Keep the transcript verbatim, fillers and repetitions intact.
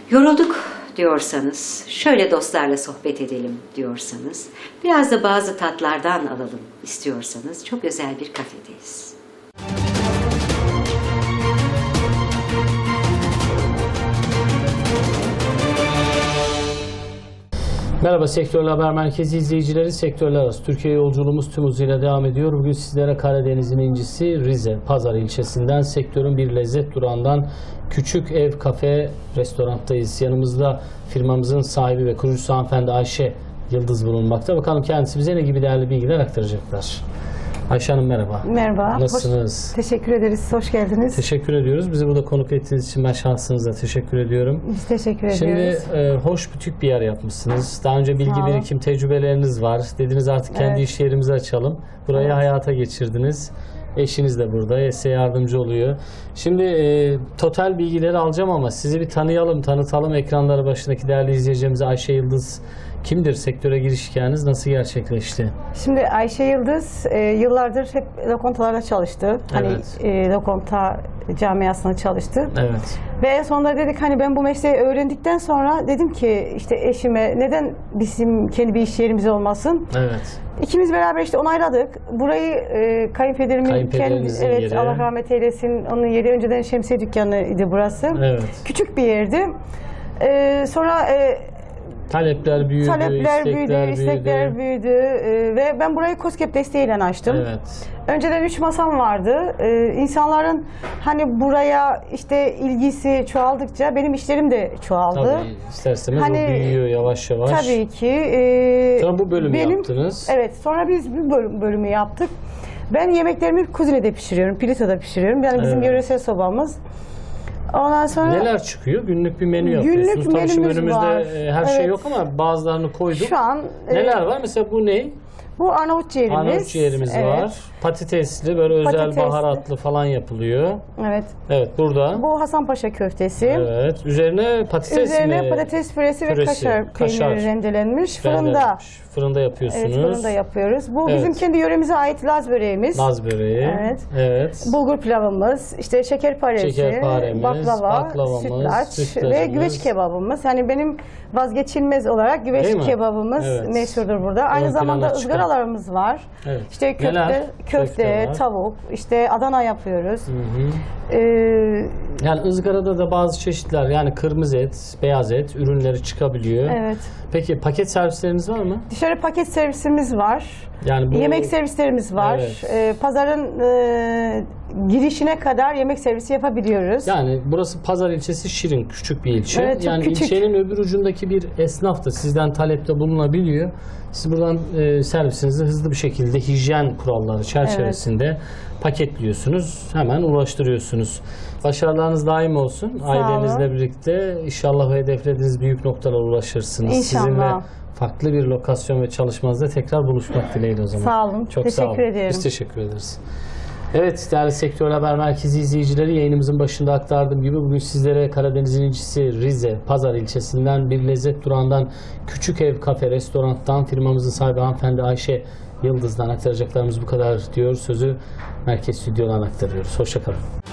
Yorulduk diyorsanız, şöyle dostlarla sohbet edelim diyorsanız, biraz da bazı tatlardan alalım istiyorsanız çok özel bir kafedeyiz. Merhaba Sektörler Haber Merkezi izleyicileri, sektörler arası Türkiye yolculuğumuz tüm hızıyla devam ediyor. Bugün sizlere Karadeniz'in incisi Rize Pazar ilçesinden, sektörün bir lezzet durağından Küçük Ev Kafe Restorant'tayız. Yanımızda firmamızın sahibi ve kurucusu hanımefendi Ayşe Yıldız bulunmakta. Bakalım kendisi bize ne gibi değerli bilgiler aktaracaklar. Ayşe Hanım merhaba. Merhaba. Nasılsınız? Hoş, teşekkür ederiz. Hoş geldiniz. Teşekkür ediyoruz. Bizi burada konuk ettiğiniz için ben şahsınıza teşekkür ediyorum. Biz teşekkür Şimdi, ediyoruz. Şimdi e, hoş butik bir yer yapmışsınız. Daha önce bilgi birikim tecrübeleriniz var. Dediniz artık kendi Evet. iş yerimizi açalım. Burayı evet. hayata geçirdiniz. Eşiniz de burada. Size yardımcı oluyor. Şimdi e, total bilgileri alacağım ama sizi bir tanıyalım, tanıtalım. Ekranları başındaki değerli izleyicilerimize Ayşe Yıldız kimdir? Sektöre giriş hikayeniz nasıl gerçekleşti? Şimdi Ayşe Yıldız e, yıllardır hep lokantalarda çalıştı. Hani Evet. e, lokanta camiasında çalıştı. Evet. Ve en sonunda dedik hani ben bu mesleği öğrendikten sonra dedim ki işte eşime neden bizim kendi bir iş yerimiz olmasın? Evet. İkimiz beraber işte onayladık. Burayı e, kayınpederimin kendi, Kayınpederinizin evet yeri. Allah rahmet eylesin, onun yeri önceden şemsiye dükkanıydı burası. Evet. Küçük bir yerdi. E, sonra e, Talepler büyüdü, Talepler istekler büyüdü, büyüdü. istekler büyüdü ee, ve ben burayı KOSGEB desteğiyle açtım. Evet. Önceden üç masam vardı. Ee, insanların hani buraya işte ilgisi çoğaldıkça benim işlerim de çoğaldı. Tabii ister istemez Hani, o büyüyor yavaş yavaş. Tabii ki. E, Sonra bu bölümü benim, yaptınız. Evet, sonra biz bu bölüm, bölümü yaptık. Ben yemeklerimi kuzinede pişiriyorum, Pilisa'da pişiriyorum. Yani bizim Evet. yöresel sobamız. Ondan sonra Neler çıkıyor? Günlük bir menü Günlük yapıyorsunuz. Tabii şimdi menümüz önümüzde var. e, her şey Evet. yok ama bazılarını koyduk. şu an e, Neler var? Mesela bu ne? bu Arnavut ciğerimiz. Arnavut ciğerimiz Evet. var. Patatesli, böyle özel Patatesli. baharatlı falan yapılıyor. Evet. Evet, burada. Bu Hasanpaşa köftesi. Evet. Üzerine patates Üzerine mi? patates püresi ve Püresi, kaşar, kaşar. peyniri rendelenmiş. Fırında. Rendelenmiş. Fırında yapıyorsunuz. Evet, fırında yapıyoruz. Bu Evet. bizim kendi yöremize ait Laz böreğimiz. Laz böreği. Evet. Evet. Bulgur pilavımız, işte şekerparesi, Şekerparemiz, baklava, baklavamız, sütlaç sütlacımız. ve güveç kebabımız. Hani benim vazgeçilmez olarak Değil mi? güveç kebabımız Evet. meşhurdur burada. Aynı Ön zamanda plana çıkan. ızgaralarımız var. Evet. İşte köfte, Neler? köfte, Köfte var. tavuk, işte Adana yapıyoruz. Hı hı. Ee, Yani ızgarada da bazı çeşitler, yani kırmızı et, beyaz et ürünleri çıkabiliyor. evet. Peki paket servisleriniz var mı? Dışarı paket servisimiz var. Yani bu Yemek servislerimiz var. Evet. Ee, pazarın e, girişine kadar yemek servisi yapabiliyoruz. Yani burası Pazar ilçesi, Şirin, küçük bir ilçe. Evet, çok yani küçük. ilçenin öbür ucundaki bir esnaf da sizden talepte bulunabiliyor. Siz buradan e, servisinizi hızlı bir şekilde hijyen kuralları çerçevesinde paketliyorsunuz. Hemen ulaştırıyorsunuz. Başarılarınız daim olsun. Sağ Ailenizle olun. birlikte inşallah hedeflediğiniz büyük noktalara ulaşırsınız. İnşallah. Sizinle farklı bir lokasyon ve çalışmanızda tekrar buluşmak dileğiyle o zaman. Sağ olun. Çok Teşekkür sağ olun. ederim. Biz teşekkür ederiz. Evet, değerli Sektör Haber Merkezi izleyicileri, yayınımızın başında aktardığım gibi bugün sizlere Karadeniz'in incisi Rize Pazar ilçesinden bir lezzet durağından Küçük Ev Kafe Restorant'tan firmamızın sahibi hanımefendi Ayşe Yıldız'dan aktaracaklarımız bu kadar diyor. Sözü merkez stüdyodan aktarıyoruz. Hoşça kalın.